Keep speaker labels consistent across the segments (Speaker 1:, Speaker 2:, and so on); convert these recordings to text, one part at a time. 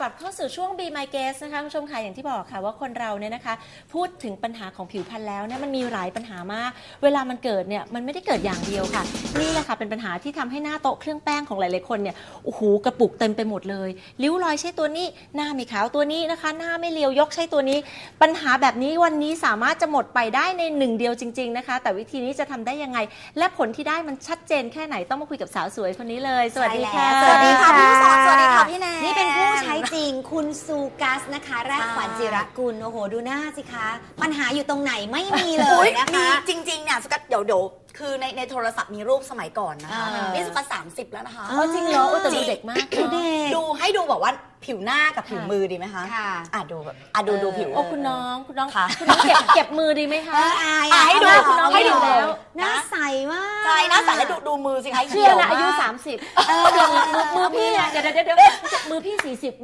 Speaker 1: ลับเข้าสู่ช่วง Be My Guest นะคะคุณผู้ชมค่ะอย่างที่บอกค่ะว่าคนเราเนี่ยนะคะพูดถึงปัญหาของผิวพรรณแล้วเนี่ยมันมีหลายปัญหามากเวลามันเกิดเนี่ยมันไม่ได้เกิดอย่างเดียวค่ะนี่แหละค่ะเป็นปัญหาที่ทำให้หน้าโต๊ะเครื่องแป้งของหลายๆคนเนี่ยโอ้โหกระปุกเต็มไปหมดเลยริ้วรอยใช่ตัวนี้หน้าไม่ขาวตัวนี้นะคะหน้าไม่เรียวยกใช่ตัวนี้ปัญหาแบบนี้วันนี้สามารถจะหมดไปได้ในหนึ่งเดียวจริงๆนะคะแต่วิธีนี้จะทำได้ยังไงและผลที่ได้มันชัดเจนแค่ไหนต้องมาคุยกับสาวสวยคนนี้เลยสวัสดีค่ะ
Speaker 2: สวัสดีค่ะพี่ลูกศรสวัสดีค่ะพี่แนน
Speaker 3: นี่เป็นผู้ใช้จริงคุณซูกัสนะคะแรกขวัญจิรกุลโอ้โหดูหน้าสิคะปัญหาอยู่ตรงไหนไม่มีเลยนะคะ
Speaker 2: จริงๆเนี่ยสุกัสเดี๋ยวคือในโทรศัพท์มีรูปสมัยก่อนนะคะนี่สุกัส30แล้วนะคะ
Speaker 1: จริงเหรอแต่ดูเด็กมาก
Speaker 2: ดูให้ดูแบบว่าผิวหน้ากับผิวมือดีไหมคะดูแบบดูผิว
Speaker 1: โอ้คุณน้องเก็บมือดีไหมคะ
Speaker 2: ให้ดู
Speaker 1: คุณน้องให้ดูแล้ว
Speaker 3: หน้าใสมาก
Speaker 2: ใช่หน้าใสแล้วดูมือสิคะ
Speaker 1: เชื่อนะอายุ30มือพี่เดี๋ยวมือพี่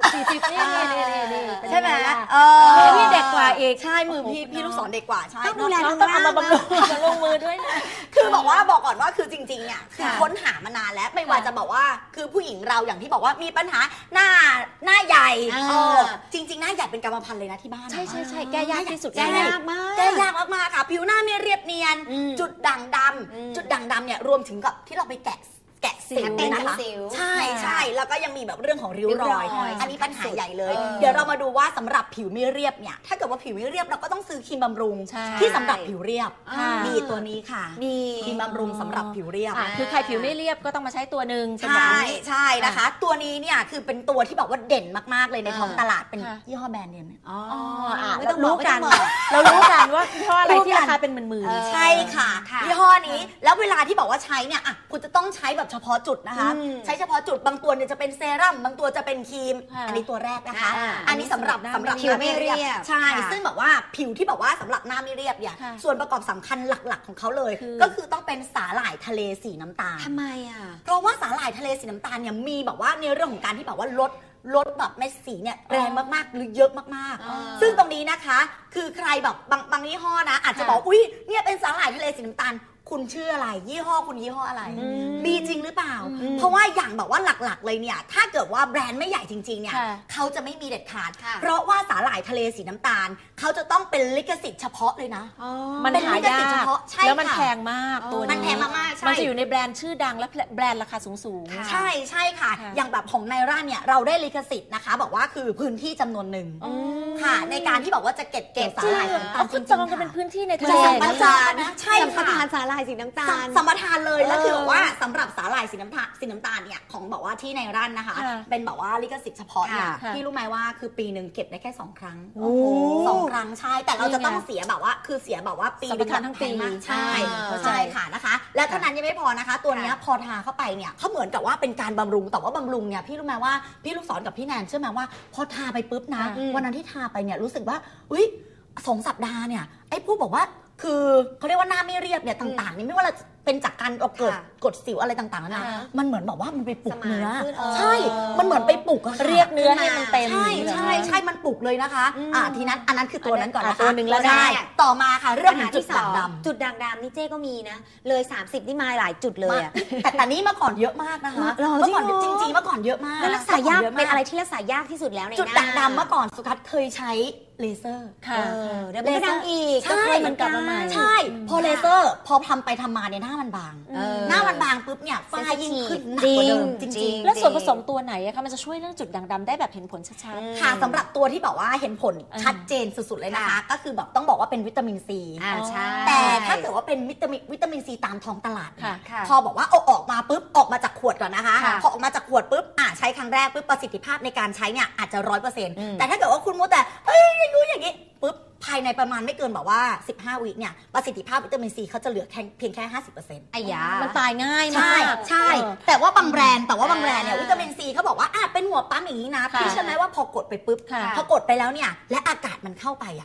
Speaker 1: 40นี่
Speaker 2: ใช่ไหม
Speaker 1: มือพี่เด็กกว่าเอก
Speaker 2: ใช่มือพี่ลูกศรเด็กกว่าใช่
Speaker 3: ต้องดูแลต้อง
Speaker 1: เอามาบำรุงมือด้วยนะ
Speaker 2: คือบอกก่อนว่าคือจริงๆเนี่ยคือค้นหามานานแล้วไม่ว่าจะบอกว่าคือผู้หญิงเราอย่างที่บอกว่ามีปัญหาหน้าใหญ่จริงๆหน้าใหญ่เป็นกรรมพันธุ์เลยนะที่บ้าน
Speaker 1: ใช่แก้ยากที่สุด
Speaker 3: แก้ยาก
Speaker 2: มากค่ะผิวหน้าไม่เรียบเนียนจุดด่างดำเนี่ยรวมถึงกับที่เราไปแกะสิวนะคะใช่แล้วก็ยังมีแบบเรื่องของริ้วรอยอันนี้ปัญหาใหญ่เลยเดี๋ยวเรามาดูว่าสำหรับผิวไม่เรียบเนี่ยถ้าเกิดว่าผิวไม่เรียบเราก็ต้องซื้อครีมบำรุงที่สำหรับผิวเรียบมีตัวนี้ค่ะครีมบำรุงสำหรับผิวเรียบ
Speaker 1: คือใครผิวไม่เรียบก็ต้องมาใช้ตัวหนึ่ง
Speaker 2: ใช่นะคะตัวนี้เนี่ยคือเป็นตัวที่แบบว่าเด่นมากๆเลยในท้องตลาดเป็นยี่ห้อแบรนด์เนม
Speaker 3: ไม่ต้องรู้กัน
Speaker 1: เรารู้กันว่ายี่ห้ออะไรที่ราคาเป็นหมื่น
Speaker 2: ๆใช่ค่ะยี่ห้อนี้แล้วเวลาที่บอกว่าใช้เนี่ยคุณจะต้องใช้แบบเฉพาะจุดนะคะใช้เฉพาะจุดบางตัวเนี่ยจะเป็นเซรั่มบางตัวจะเป็นครีมอันนี้ตัวแรกนะคะอันนี้สำหรับ
Speaker 3: ผิวไม่เรียบ
Speaker 2: ใช่ซึ่งแบบว่าผิวที่บอกว่าสำหรับหน้าไม่เรียบเนี่ยส่วนประกอบสำคัญหลักๆของเขาเลยก็คือต้องเป็นสาหร่ายทะเลสีน้ำตาล
Speaker 3: ทำไม
Speaker 2: เพราะว่าสาหร่ายทะเลสีน้ำตาลเนี่ยมีแบบว่าในเรื่องของการที่แบบว่าลดแบบเม็ดสีเนี่ยแรงมากๆหรือเยอะมากๆซึ่งตรงนี้นะคะคือใครแบบบางยี่ห้อนะอาจจะบอกอุ้ยเนี่ยเป็นสาหร่ายทะเลสีน้ำตาลคุณชื่ออะไรยี่ห้อคุณยี่ห้ออะไรมีจริงหรือเปล่าเพราะว่าอย่างแบบว่าหลักๆเลยเนี่ยถ้าเกิดว่าแบรนด์ไม่ใหญ่จริงๆเนี่ยเขาจะไม่มีเด็ดขาดเพราะว่าสาหร่ายทะเลสีน้ำตาลเขาจะต้องเป็นลิขสิทธิ์เฉพาะเลยนะ
Speaker 1: มันหายากแล้วมันแพงมากตัวนี้
Speaker 2: มันแพงมากๆ
Speaker 1: มันจะอยู่ในแบรนด์ชื่อดังและแบรนด์ราคาสูง
Speaker 2: ใช่ค่ะอย่างแบบของไนร่าเนี่ยเราได้ลิขสิทธิ์นะคะบอกว่าคือพื้นที่จำนวนหนึ่งค่ะในการที่บอกว่าจะเก็บสาหร่ายสีน้ำตาล
Speaker 1: จริงๆจองกันเป็นพื้นที่ในทะเล
Speaker 2: สัมปทานใช่
Speaker 3: สัมปทานสาหร่ายสีน้ำตาล
Speaker 2: สัมปทานเลยแล้วคือว่าสำหรับสาหร่ายสีน้ำตาลเนี่ยของบอกว่าที่ในร้านนะคะเป็นบอกว่าลิขสิทธิ์เฉพาะเนี่ยพี่รู้ไหมว่าคือปีหนึ่งเก็บได้แค่2 ครั้ง2 ครั้งใช่แต่เราจะต้องเสียแบบว่าคือเสียแบบว่าปีนึง
Speaker 1: ทั้งปี
Speaker 2: ใช่ค่ะนะคะและเท่านั้นยังไม่พอนะคะตัวนี้พอทาเข้าไปเนี่ยเขาเหมือนกับว่าเป็นการบำรุงแต่ว่าบำรุงเนี่ยพี่รู้ไหมว่าพี่ลูกศรกับพี่แนนเชื่อไหมว่าพอทาไปปุ๊บนะวันนั้นที่ทาไปเนี่ยรู้สึกว่าอุ้ย2 สัปดาห์เนี่ยไอ้ผู้บอกว่าคือเขาเรียกว่าหน้าไม่เรียบเนี่ยต่างๆนี่ไม่ว่าเราเป็นจากการเกิดกดสิวอะไรต่างๆนะมันเหมือนแบบว่ามันไปปลุกเนื้อใช่มันเหมือนไปปลุก
Speaker 1: เรียกเนื้อให้มันเต็ม
Speaker 2: ใช่มันปลุกเลยนะคะทีนั้นอันนั้นคือตัวนั้นก่อนนะคะ
Speaker 1: ตัวหนึ่งแล้วได้
Speaker 2: ต่อมาค่ะเรื่องของจุดด่างดำ
Speaker 3: จุดด่างดำนี่เจ๊ก็มีนะเลย30นี่มาหลายจุดเลย
Speaker 2: แต่นี่เมื่อก่อนเยอะมากนะคะเมื่อก่อนจริงๆเมื่อก่อนเยอะมาก
Speaker 3: แล้วรักษายากเป็นอะไรที่รักษายากที่สุดแล้วในหน้า
Speaker 2: จุดด่างดำเมื่อก่อนสุกัสเคยใช้เลเซอร์
Speaker 3: เดี๋ยวมันดังอีก
Speaker 2: ก็เคยมันกลับมาใหม่ใช่พอเลเซอร์พอทำไปทำมาเนี่ยหน้ามันบางหน้ามันบางปุ๊บเนี่ยฝ้ายิ่งขึ้นหนักกว่าเดิมจริง
Speaker 1: ๆแล้วส่วนผสมตัวไหนอะคะมันจะช่วยเรื่องจุดด่างดำได้แบบเห็นผลชัด
Speaker 2: ๆค่ะสำหรับตัวที่แบบว่าเห็นผลชัดเจนสุดๆเลยนะคะก็คือแบบต้องบอกว่าเป็นวิตามินซีแต่ถ้าเกิดว่าเป็นวิตามินซีตามท้องตลาดพอบอกว่าเอาออกมาปุ๊บออกมาจากขวดก่อนนะคะพอออกมาจากขวดปุ๊บใช้ครั้งแรกปุ๊บประสิทธิภาพในการใช้เนี่ยอาจจะ100%แต่ถ้าเกิดว่าคุณมัวแต่อย่างนี้ปุ๊บภายในประมาณไม่เกินแบบว่า15 วิเนี่ยประสิทธิภาพวิตามินซีเขาจะเหลือเพียงแค่ 50%
Speaker 1: ไอ้ยามันตายง่ายมาก
Speaker 2: ใช่แต่ว่าบางแบรนด์เนี่ยวิตามินซีเขาบอกว่าเป็นหัวปั๊มอย่างนี้นะพี่เชื่อไหมว่าพอกดไปปุ๊บพอกดไปแล้วเนี่ยและอากาศมันเข้าไป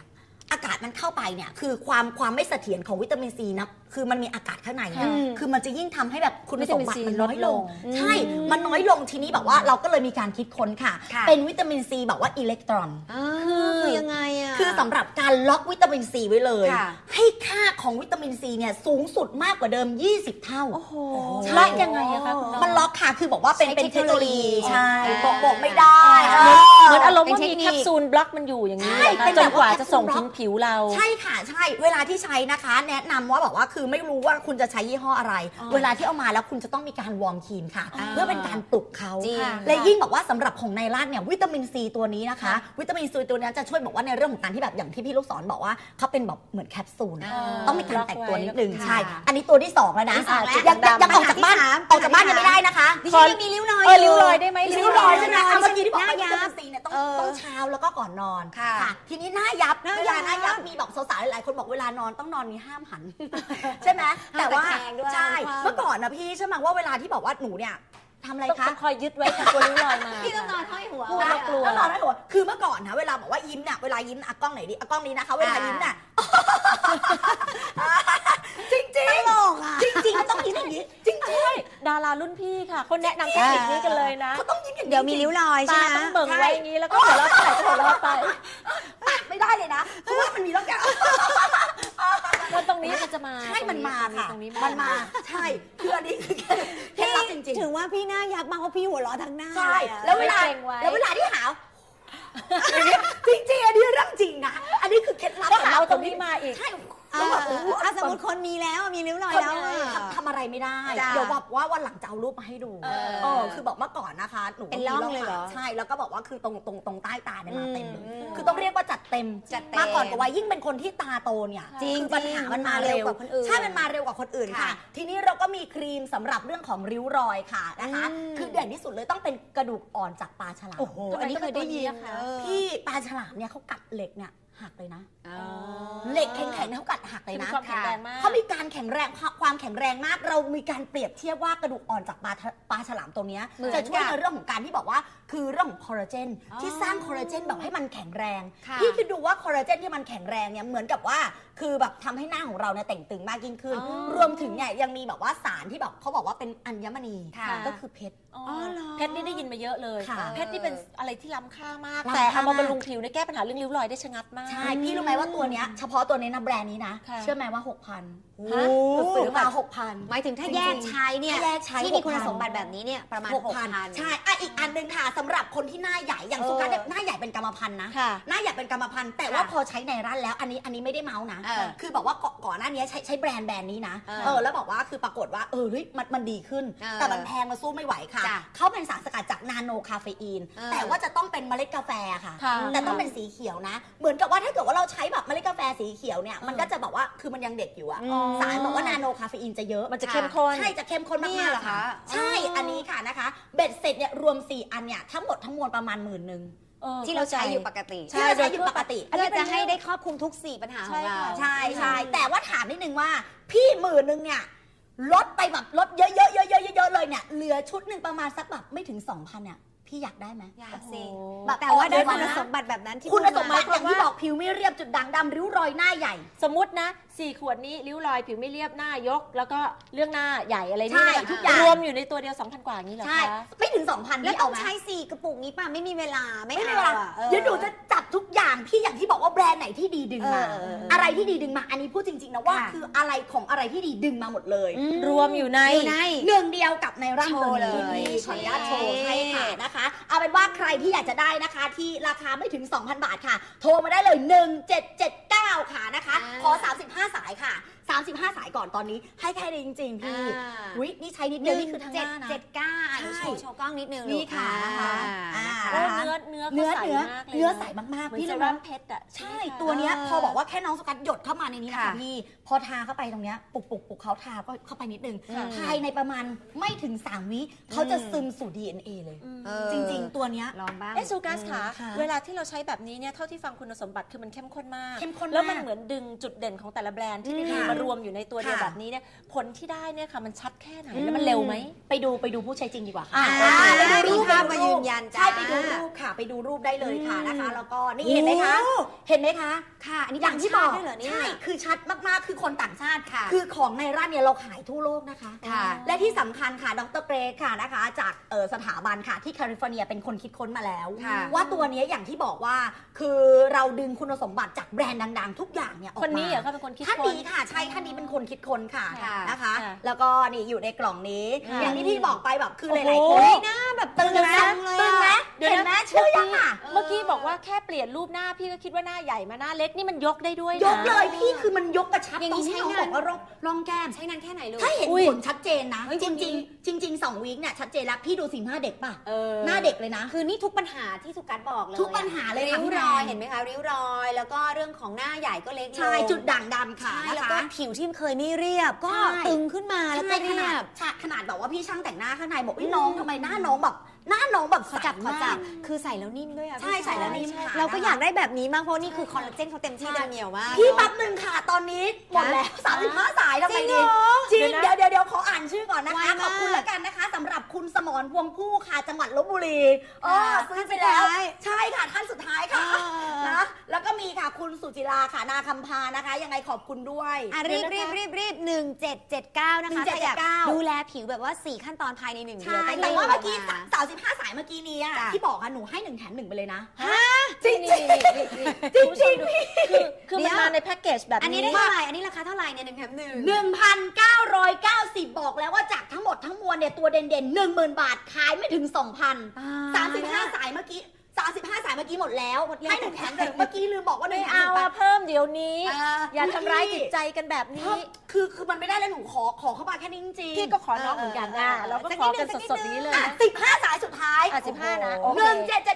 Speaker 2: อากาศมันเข้าไปเนี่ยคือความไม่เสถียรของวิตามินซีนะคือมันมีอากาศข้างในนะคือมันจะยิ่งทำให้แบบคุณสมบัติมันน้อยลงใช่มันน้อยลงทีนี้แบบว่าเราก็เลยมีการคิดค้นค่ะเป็นวิตามินซีแบบว่าอิเล็กตรอน
Speaker 3: คือยังไงอ่ะ
Speaker 2: คือสำหรับการล็อกวิตามินซีไว้เลยให้ค่าของวิตามินซีเนี่ยสูงสุดมากกว่าเดิม20เท่า
Speaker 1: โอ้โหล็อกยังไงอะคะคุณน้อง
Speaker 2: มันล็อกค่ะคือบอกว่าเป็นเทคโนโลยีใช่บอกไม่ได้
Speaker 1: เหมือนอารมณ์ว่ามีแคปซูลบล็อกมันอยู่อย่างนี้จนกว่าจะส่งถึงผิวเรา
Speaker 2: ใช่ค่ะใช่เวลาที่ใช้นะคะแนะนำว่าบอกว่าคือไม่รู้ว่าคุณจะใช้ยี่ห้ออะไรเวลาที่เอามาแล้วคุณจะต้องมีการวอร์มครีมค่ะเพื่อเป็นการปลุกเขาและยิ่งบอกว่าสำหรับของไนล่าเนี่ยวิตามินซีตัวนี้นะคะวิตามินซีตัวนี้จะช่วยบอกว่าในเรื่องของการที่แบบอย่างที่พี่ลูกศรบอกว่าเขาเป็นแบบเหมือนแคปซูลต้องมีการแตกตัวนิดนึงใช่อันนี้ตัวที่2แล้วนะยังออกจากบ้านยังไม่ได้นะคะ
Speaker 3: ดิฉันยังมีริ้วรอย
Speaker 1: ริ้วรอยได้ไหม
Speaker 2: ริ้วรอยใช่ไหมเมื่อกี้ที่บอกว่าวิตามินซีเนี่ยต้องเช้าแล้วก็ก่อนนอนค่ะทีนี้หน้ายับเวลาหน้ายับมีบอกสาวๆหลายๆคนบอกเวลานอนต้องนอนมีห้ามหันใช่ไหมแต่ว่าใช่เมื่อก่อนนะพี่ใช่ไหมว่าเวลาที่บอกว่าหนูเนี่ยทำอะไรคะ
Speaker 1: คอยยึดไว้กับตัวริ้วรอยมา
Speaker 3: พี่ต้องนอนห้อยหัว
Speaker 1: กลัว
Speaker 2: ต้องนอนห้อยหัวคือเมื่อก่อนนะเวลาบอกว่ายิ้มเนี่ยเวลายิ้มกล้องไหนดีกล้องนี้นะคะเวลายิ้มเนี่ยจริงจริง
Speaker 3: ตลกอ่ะ
Speaker 2: จริงๆต้องยิ้มอย่างนี้จริง
Speaker 1: ดารารุ่นพี่ค่ะเขาแนะนำเทคนิคนี้กันเลยนะ
Speaker 2: เขาต้องยิ้มอย่างนี้
Speaker 3: เดี๋ยวมีริ้วรอยใช่ไหม
Speaker 1: ต้องเบิ่งไว้อย่างนี้แล้วก็หัวเราะไปหัวเราะไป
Speaker 2: ไม่ได้เลยนะเพราะว่ามันมีร่องแก้ว
Speaker 1: วันตรงนี้มันจะมา
Speaker 2: ใช่มันมาค่ะมันมาใช่คืออันนี้คือเคล็ดลับจริงๆ
Speaker 3: ถึงว่าพี่หน้ายับมากเพราะพี่หัวเราะทั้งหน้า
Speaker 2: ใช่แล้วเวลาที่หาวจริงๆอันนี้เรื่องจริงนะอันนี้คือเคล็ดลับ
Speaker 1: ก็หาวตรงนี้มาอีก
Speaker 2: ใช่
Speaker 3: สมมติคนมีแล้วมีริ้วรอยแล้ว
Speaker 2: ทำอะไรไม่ได้เดี๋ยวบอกว่าวันหลังจะเอารูปมาให้ดูคือบอกเมื่อก่อนนะคะหนู
Speaker 3: เป็นร่องเลยเหรอ
Speaker 2: ใช่แล้วก็บอกว่าคือตรงใต้ตาเนี่ยมาเต็มเลยคือต้องเรียกว่าจัดเต็มมาก่อนกับวัยยิ่งเป็นคนที่ตาโตเนี่ยคือปัญหามันมาเร็วกว่าคนอื่นใช่มันมาเร็วกว่าคนอื่นค่ะทีนี้เราก็มีครีมสำหรับเรื่องของริ้วรอยค่ะนะคะคือเด่นที่สุดเลยต้องเป็นกระดูกอ่อนจากปลาฉลาม
Speaker 1: โอ้โหอันนี้เคยได้ยิน
Speaker 2: พี่ปลาฉลามเนี่ยเขากัดเหล็กเนี่ยหักเลยนะเหล็กแข็งๆเขากัดหักเลยนะเขามีการแข็งแรงความแข็งแรงมากเรามีการเปรียบเทียบว่ากระดูกอ่อนจากปลาฉลามตัวนี้จะช่วยในเรื่องของการที่บอกว่าคือเรื่องของคอลลาเจนที่สร้างคอลลาเจนแบบให้มันแข็งแรงพี่คิดดูว่าคอลลาเจนที่มันแข็งแรงเนี่ยเหมือนกับว่าคือแบบทำให้หน้าของเราเนี่ยแต่งตึงมากยิ่งขึ้นรวมถึงเนี่ยยังมีแบบว่าสารที่แบบเขาบอกว่าเป็นอัญมณีก็คือเพชร
Speaker 1: เพชรนี่ได้ยินมาเยอะเลยเพชรนี่เป็นอะไรที่ล้ำค่ามากแต่เอามาบำรุงผิวในแก้ปัญหาเรื่องริ้วรอยได้ชะงัดมาก
Speaker 2: ใช่พี่รู้ไหมว่าตัวเนี้ยเฉพาะตัวนี้นะแบรนด์นี้นะเชื่อไหมว่า 6,000 ซื้อมา 6,000
Speaker 3: หมายถึงถ้าแยกใช้เนี่ยที่มีคุณสมบัติแบบนี้เนี่ยประมาณ 6,000
Speaker 2: ใช่อีกอันนึงค่ะสำหรับคนที่หน้าใหญ่อย่างสุกัสหน้าใหญ่เป็นกรรมพันธุ์นะหน้าใหญ่เป็นกรรมพันธุ์แต่ว่าพอใช้ในร้านแล้วอันนี้ไม่ได้เมาส์นะคือบอกว่าก่อนหน้านี้ใช้แบรนด์นี้นะแล้วบอกว่าคือปรากฏว่าเฮ้ยมันดีขึ้นแต่มันแพงมาสู้ไม่ไหวค่ะเขาเป็นสารสกัดจากนาโนคาเฟอีนแต่ว่าจะต้องเป็นเมล็ดกาแฟค่ะแต่ต้องเป็นสีเขียวนะเหมือนกับว่าถ้าเกิดว่าเราใช้แบบเมล็ดกาแฟสีเขียวเนี่ยมันก็จะบอกว่าคือมันยังเด็กอยู่อะสารบอกว่านาโนคาเฟอีนจะเยอะ
Speaker 1: มันจะเข้มข้น
Speaker 2: ใช่จะเข้มข้นมากๆค่ะใช่อันนี้ค่ะนะคะเบ็ดเสร็จเนี่ยรวม4อันเนี่ยทั้งหมดทั้งมวลประมาณ10,000
Speaker 3: ที่เราใช้อยู่ปกติ
Speaker 2: ใช่โดยปกติ
Speaker 3: เพื่อจะให้ได้ครอบคลุมทุก4ปัญหาของเรา
Speaker 2: ใช่แต่ว่าถามนิดนึงว่าพี่10,000เนี่ยลดไปแบบลดเยอะๆเลยเนี่ยเหลือชุดหนึ่งประมาณสักแบบไม่ถึง 2,000เนี่ยพี่อยากได้ไหม
Speaker 3: อยากสิแต่ว่าได้คุณสมบัติแบบนั้นที่
Speaker 2: คุณสมบัติอย่างที่บอกผิวไม่เรียบจุดด่างดำริ้วรอยหน้าใหญ่
Speaker 1: สมมตินะ4 ขวดนี้ริ้วรอยผิวไม่เรียบหน้ายกแล้วก็เรื่องหน้าใหญ่อะไรนี่
Speaker 2: ทุกอย่าง
Speaker 1: รวมอยู่ในตัวเดียว 2,000 กว่านี้เหรอคะ
Speaker 2: ไม่ถึง 2,000
Speaker 3: แล้วต้องใช้4กระปุกนี้ป่ะไม่มีเวลาไม่
Speaker 2: มีเวลาเดี๋ยวหนูจะจับทุกอย่างพี่อย่างที่บอกว่าแบรนด์ไหนที่ดีดึงมาอะไรที่ดีดึงมาอันนี้พูดจริงๆนะว่าคืออะไรของอะไรที่ดีดึงมาหมดเลย
Speaker 1: รวมอยู่ใน
Speaker 2: หนึ่งเดียวกับในร่างตัวนี้ขออนุญาตโชว์ให้ค่ะนะคะเอาเป็นว่าใครที่อยากจะได้นะคะที่ราคาไม่ถึง 2,000 บาทค่ะโทรมาได้เลย1779ค่ะนะคะขอ35 สายค่ะ35 สายก่อนตอนนี้ให้แค่นี้จริงๆพี่วินี่ใช้นิดเดียวนี่คือทั้งหน้านะ
Speaker 3: 779โชว์กล้องนิดนึง
Speaker 2: นี่ค่ะ
Speaker 1: เนื้อ
Speaker 2: ใสมาก
Speaker 1: ๆพี่รู้ไหมเพชรอ่ะ
Speaker 2: ใช่ตัวเนี้ยพอบอกว่าแค่น้องสกัดหยดเข้ามาในนี้นะคะพี่พอทาเข้าไปตรงเนี้ยปุกเขาทาก็เข้าไปนิดนึงภายในประมาณไม่ถึง3 วิเขาจะซึมสู่ DNA เลยจริงๆตัวเนี้ย
Speaker 3: ลองบ้าง
Speaker 1: ซูกัสค่ะเวลาที่เราใช้แบบนี้เนี่ยเท่าที่ฟังคุณสมบัติคือมันเข้มข้นมากแล้วมันเหมือนดึงจุดเด่นของแต่ละแบรนด์ที่ดีมารวมอยู่ในตัวเดียว
Speaker 2: ค่ะ
Speaker 1: แบบนี้เนี่ยผลที่ได้เนี่ยค่ะมันชัดแค่ไหนแล้วมันเร็วไหม
Speaker 2: ไปดูผู้ใช้จริงดีกว่าค่ะ
Speaker 3: ไปดูรูป
Speaker 2: ไป
Speaker 3: มายืนยันจ้า
Speaker 2: ใช่ไปดูรูปค่ะ ไปดูรูปได้เลยค่ะนะคะ แล้วก็นี่เห็นไหมคะ
Speaker 3: โอ้
Speaker 2: เห็นไหมคะ
Speaker 3: ค่ะ อันนี้
Speaker 2: อย่างที่บอก
Speaker 3: ต่างชาติด้วยเหรอเนี่ย
Speaker 2: ใช่คือชัดมากๆคือคนต่างชาติ
Speaker 3: ค่ะ
Speaker 2: คือของในร้านเนี่ยเราขายทั่วโลกนะคะ
Speaker 3: ค่ะ
Speaker 2: และที่สำคัญค่ะดรเกรกค่ะนะคะ จากสถาบันค่ะที่แคลิฟอร์เนียเป็นคนคิดค้นมาแล้ว
Speaker 3: ค่ะ
Speaker 2: ว่าตัวเนี้ยอย่างที่บอกว่าคือเราดึงคุณสมบัติจากแบรนด์ดังๆ ทุกอย่างเนี่ยออกมา
Speaker 1: คนนี้เหรอเขาเป็นคนคิด
Speaker 2: ท่าน
Speaker 1: ค้น
Speaker 2: นี้ค่ะใช่ท่านนี้เป็นคนคิดค้นค่ะ
Speaker 3: ค่ะ
Speaker 2: นะคะ
Speaker 1: ค่ะ
Speaker 2: แล้วก็นี่อยู่ในกล่องนี้
Speaker 1: ค่ะ
Speaker 2: อย่างที่พี่บอกไปแบบคือห
Speaker 1: โอ้โห
Speaker 2: ลายๆคน
Speaker 3: เฮ้ยหน้าแบบตึง
Speaker 2: ตึงไหม
Speaker 3: จังเลย
Speaker 2: ตึงไหม
Speaker 3: อะ
Speaker 2: เห็นไหมเชื่อยังอ่ะ
Speaker 1: เมื่อกี้บอกว่าแค่เปลี่ยนรูปหน้าพี่ก็คิดว่าหน้าใหญ่มาหน้าเล็กนี่มันยกได้ด้วยนะ
Speaker 2: ยกเลยพี่คือมันยกกระชับ
Speaker 3: อย่าง
Speaker 2: ตร
Speaker 3: นี้
Speaker 2: งที่
Speaker 3: ใช้
Speaker 2: น้อง
Speaker 3: งาน
Speaker 2: บอกว่าร่องแก้ม
Speaker 3: ใช้นานแค่ไหนลูก
Speaker 2: ถ้าเห็น
Speaker 1: อุ้ย
Speaker 2: ผลชัดเจนนะ
Speaker 3: เฮ้ย
Speaker 2: จ
Speaker 3: คนนี้
Speaker 2: ริงๆ2 วีคเนี่ยชัดเจนแล้วพี่ดูสีหน้าเด็กป่ะ
Speaker 3: เออ
Speaker 2: หน้าเด็กเลยนะ
Speaker 3: คือนี่ทุกปัญหาที่สุกัสบอกเลย
Speaker 2: ทุกปัญหาเลยค่ะ
Speaker 3: ริ้ว
Speaker 2: พี่แนน
Speaker 3: รอยเห็นไหมคะริ้วรอยแล้วก็เรื่องของหน้าใหญ่ก็เล็กลง
Speaker 2: ใช่จุดด่างดำค่ะ
Speaker 3: ใช่
Speaker 2: นะ
Speaker 3: แล้ว
Speaker 2: คะ
Speaker 3: ก็ผิวที่เคยไม่เรียบก็
Speaker 2: ใช่
Speaker 3: ตึงขึ้นมาแล้วก็
Speaker 2: ใช่
Speaker 3: เรียบ
Speaker 2: ขนาดแบบว่าพี่ช่างแต่งหน้าข้างในบอกน้องทำไมหน้าน้องแบบ
Speaker 3: ขอจับ
Speaker 2: ใสมาก
Speaker 3: คือใส่แล้วนิ่มด้วยอ่ะ
Speaker 2: ใช่
Speaker 3: พี่
Speaker 2: ใส่แล้วนิ่มค่ะ
Speaker 3: เราก็อยากได้แบบนี้มากเพราะนี่คือคอลลาเจนเขาเต็มที่
Speaker 2: ใช่
Speaker 3: เต็มเหนียวมาก
Speaker 2: พี่
Speaker 3: เนอะ
Speaker 2: แป๊บหนึ่งค่ะ ตอนนี้หมดแล้ว35 สายทำไม
Speaker 3: จริ
Speaker 2: ดี
Speaker 3: งเหรอ
Speaker 2: จริง
Speaker 1: เดี๋
Speaker 2: เดี๋
Speaker 1: ย
Speaker 2: ยว ว
Speaker 1: นะ
Speaker 2: เดี๋ยวขออ่านชื่อก่อนนะ
Speaker 3: ไว
Speaker 2: คะ
Speaker 3: มาก
Speaker 2: ขอบคุณแล้วกันนะคะสำหรับคุณสมรพวงผู้ค่ะจังหวัดลบบุรีซื้อไปแล้ว
Speaker 3: ท่านสุดท้าย
Speaker 2: ใช่ค่ะท่านสุดท้ายค่ะ
Speaker 3: อ่า
Speaker 2: นะแล้วก็มีค่ะคุณสุจิราค่ะนาคำพานะคะ ยังไงขอบคุณด้วย
Speaker 3: อ่ะรีบ
Speaker 1: เดี๋ยวนะคะ
Speaker 3: รีบ1779 นะคะถ้าอยาก
Speaker 2: 1779
Speaker 3: ดูแลผิวแบบว่า 4 ขั้นตอนภายใน1 เดื
Speaker 2: ใช่
Speaker 3: อน
Speaker 2: แต่ว่าเมื่อกี้
Speaker 3: มา
Speaker 2: 35 สายเมื่อกี้นี้อะ
Speaker 3: จ้ะ
Speaker 2: ที่บอกค่ะหนูให้1 แถม 1ไปเลยนะ
Speaker 1: จริงจริงจริงคือมันมาในแพ็กเกจแบบ
Speaker 3: อันนี้
Speaker 1: นี้
Speaker 3: ได้เท่าไหร่อันนี้ราคาเท่าไหร่เนี่ย1 แถม
Speaker 2: 1,990 บอกแล้วว่าจากทั้งหมดทั้งมวลเนี่ยตัวเด่นๆ 10,000 บาทขายไม่ถึง 2,000 35 สายเมื่อกี้35 สายเมื่อกี้หมดแล้วให้1 แถม 1เมื่อกี้ลืมบอกว่า1
Speaker 1: ไม่
Speaker 2: แถม
Speaker 1: เอา
Speaker 2: 1
Speaker 1: อะเพิ่มเดี๋ยวนี้ อย่า
Speaker 2: อุ๊ย
Speaker 1: ทำร้ายจิตใจกันแบบ
Speaker 2: เพิ่
Speaker 1: นี้
Speaker 2: มคือมันไม่ได้แล้วหนูขอเข้ามาแค่นี้จริงๆ
Speaker 1: พี่ก็ขอน้องเหมือนกันนะ
Speaker 3: เออ
Speaker 1: เราก็ขอกันสดๆนี้เลย
Speaker 2: อ่ะ
Speaker 1: นะ
Speaker 2: 15 สายสุดท้าย
Speaker 1: อ่ะ15นะโอเค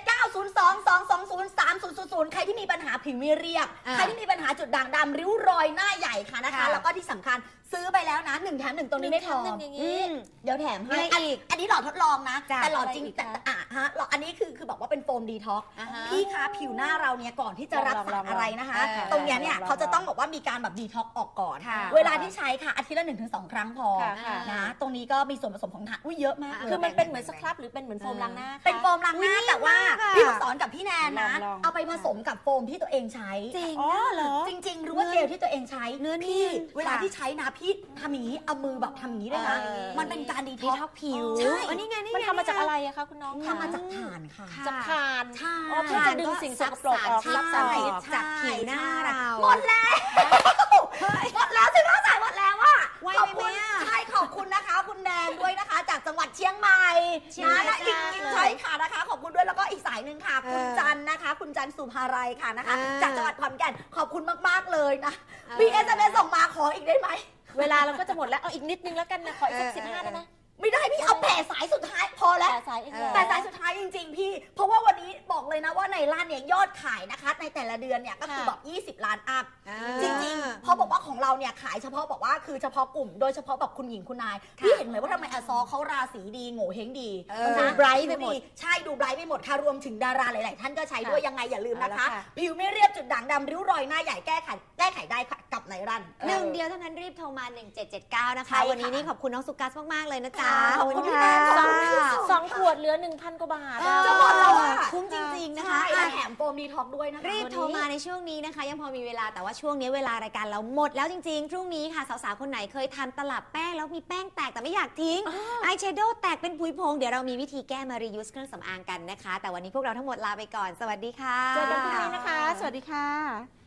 Speaker 2: 1779022203000ใครที่มีปัญหาผิวไม่เรียบ
Speaker 3: อ่า
Speaker 2: ใครที่มีปัญหาจุดด่างดำริ้วรอยหน้าใหญ่ค่ะนะคะ
Speaker 3: ค่ะ
Speaker 2: แล้วก็ที่สำคัญซื้อไปแล้วนะ1 แถม 1ตรงนี้ไม่พอ
Speaker 1: 1 แถม 1อย่างนี้
Speaker 2: เดี๋ยวแถมให้
Speaker 3: อะไรอีก
Speaker 2: อันนี้หลอดทดลองนะ
Speaker 3: จ้ะ
Speaker 2: แต่หลอดจริง
Speaker 1: อะไรอีก
Speaker 2: แต่
Speaker 1: คะ
Speaker 2: หลอดอันนี้คือบอกว่าเป็นโฟมดีท็อก
Speaker 3: อ่าฮะ
Speaker 2: พี่คะผิวหน้าเราเนี่ยก่อนที่จะรับสารอะไรนะคะ
Speaker 3: ลอง
Speaker 2: ตรงเนี้ยเนี่ย
Speaker 1: ลอง
Speaker 2: เขาจะต้องบอกว่ามีการแบบดีท็อกออกก่อน
Speaker 3: ค่ะ
Speaker 2: เวลาที่ใช้ค่ะอาทิตย์ละ 1-2 ครั้งพอ
Speaker 1: ค่ะค่ะ
Speaker 2: นะตรงนี้ก็มีส่วนผสมของถ่านอุ้ยเยอะมากเลย
Speaker 1: คือมันเป็นเหมือนสครับหรือเป็นเหมือนโฟมล้างหน้าคะ
Speaker 2: เป็นโฟมล้างหน้า
Speaker 3: อุ๊ย
Speaker 2: แต่ว่า
Speaker 3: ดีมากอะ
Speaker 2: พี่ต้องสอนกับพี่แนนนะ
Speaker 1: ลองๆ
Speaker 2: เอาไปผสมกับโฟมที่ตัวเองใช้
Speaker 3: จริง
Speaker 1: อ๋อเหรอ
Speaker 2: จริงๆรู้ว่าเจลที่ตัวเองใช้
Speaker 3: เนื้อ
Speaker 2: พี่
Speaker 3: เนียน
Speaker 2: เวลา
Speaker 3: ค่ะ
Speaker 2: ที่ใช้นะพี่ทำอย่างนี้เอามือแบบทำอย่างนี้ด้วยนะ
Speaker 3: เออ
Speaker 2: มันเป็นการดี
Speaker 3: ดี
Speaker 2: ท็
Speaker 3: ท็
Speaker 2: อ
Speaker 3: อก กผิว
Speaker 2: ใช่
Speaker 3: อันนี้ไงนี่ไง
Speaker 1: มันทำมาจากอะไรอะคะคุณน้อง
Speaker 2: ทำมาจากถ่านค่ะ
Speaker 3: ค่ะ
Speaker 1: จากทาน
Speaker 2: ใช่
Speaker 1: อ๋อเพื่อจะดึงสิ่งสกปรกออก
Speaker 3: ใช่
Speaker 1: รับสารพิษ
Speaker 3: จากผิวหน้าเรา
Speaker 2: หมดแล้วหมดแล้วสิน้องสายหมดแล้วอ่ะ
Speaker 3: ไว
Speaker 2: ขอบ
Speaker 3: ไป
Speaker 2: คุ
Speaker 3: ไหม
Speaker 2: ณ
Speaker 3: อะ
Speaker 2: ใช่ขอบคุณนะคะ คุณแนนด้วยนะคะ จากจังหวัดเชียงใหม่
Speaker 3: เชียงใหม่
Speaker 2: นะและอีก
Speaker 3: จ้า
Speaker 2: ใช่ค่ะนะคะ ขอบคุณด้วยแล้วก็อีกสายหนึ่งค่ะ คุณ
Speaker 3: เออ
Speaker 2: จันนะคะ คุณจันสุภารัยค่ะนะคะ
Speaker 3: อ่า
Speaker 2: จากจังหวัดขอนแก่นขอบคุณมากๆเลยนะ
Speaker 3: เออ
Speaker 2: มี SMS ส่งมาขออีกได้ไหม
Speaker 1: เวลาเราก็จะหมดแล้ว เอาอีกนิดนึงแล้วกันนะ ขออีกสัก15ได้ไหม
Speaker 2: ไม่ได้พี่เอาแต่สายสุดท้ายพอแล้ว
Speaker 1: แต่สายเองเหรอ
Speaker 2: แต่สายสุดท้ายจริงๆพี่ เพราะว่าวันนี้บอกเลยนะว่าในร้านเนี่ยยอดขายนะคะ ในแต่ละเดือนเนี่ยก็คือแบบ20 ล้านอัพ จริงๆ เพราะบอกว่าของเราเนี่ยขายเฉพาะบอกว่าคือเฉพาะกลุ่มโดยเฉพาะแบบคุณหญิงคุณนาย พี่เห็นไหมว่าทำไมอาซอเขาราศีดีโง่เฮงดี
Speaker 3: มัน
Speaker 2: นะ
Speaker 1: ดู bright ไปหมด
Speaker 2: ใช่ดูไบรท์ไปหมดค่ะรวมถึงดาราหลายๆท่านก็ใช้ด้วยยังไงอย่าลืมนะคะ
Speaker 1: เอาละค่ะ
Speaker 2: ผิวไม่เรียบจุดด่างดำริ้วรอยหน้าใหญ่แก้ไขได้ค่ะกับไนรัน
Speaker 3: หนึ่งเดียวเท่านั้นรีบโทรมา 1779 นะคะ
Speaker 2: ใช่ค่ะ
Speaker 3: วันนี้นี่ขอบคุณน้องสุกัสมาก ๆ เลยนะจ๊ะ
Speaker 2: ขอบคุณพี่
Speaker 3: ค่ะ
Speaker 2: แนนขอบคุณค่ะ
Speaker 1: สองขวดเหลือ 1,000 กว่าบาทอะ
Speaker 2: จะหมดแล้วอะ
Speaker 3: คุ้มจริง ๆ นะคะ
Speaker 2: ใช่และ
Speaker 3: อ่ะ
Speaker 2: แถมโฟมดีท็อกด้วยนะคะ
Speaker 3: รีบโทรมาในช่วงนี้นะคะ ยังพอมีเวลาแต่ว่าช่วงนี้เวลารายการเราหมดแล้วจริง ๆ พรุ่งนี้ค่ะ สาว ๆ คนไหนเคยทำตลับแป้งแล้วมีแป้งแตกแต่ไม่อยากทิ้งอายแชโดว์แตกเป็นผุยพง เดี๋ยวเรามีวิธีแก้มา reuse เครื่องสำอางกันนะคะ แต่วันนี้พวกเราทั้งหมดลาไปก่อน สวัสดีค่ะ
Speaker 1: เจอกันพรุ่งนี้นะคะ สวัสดีค่ะ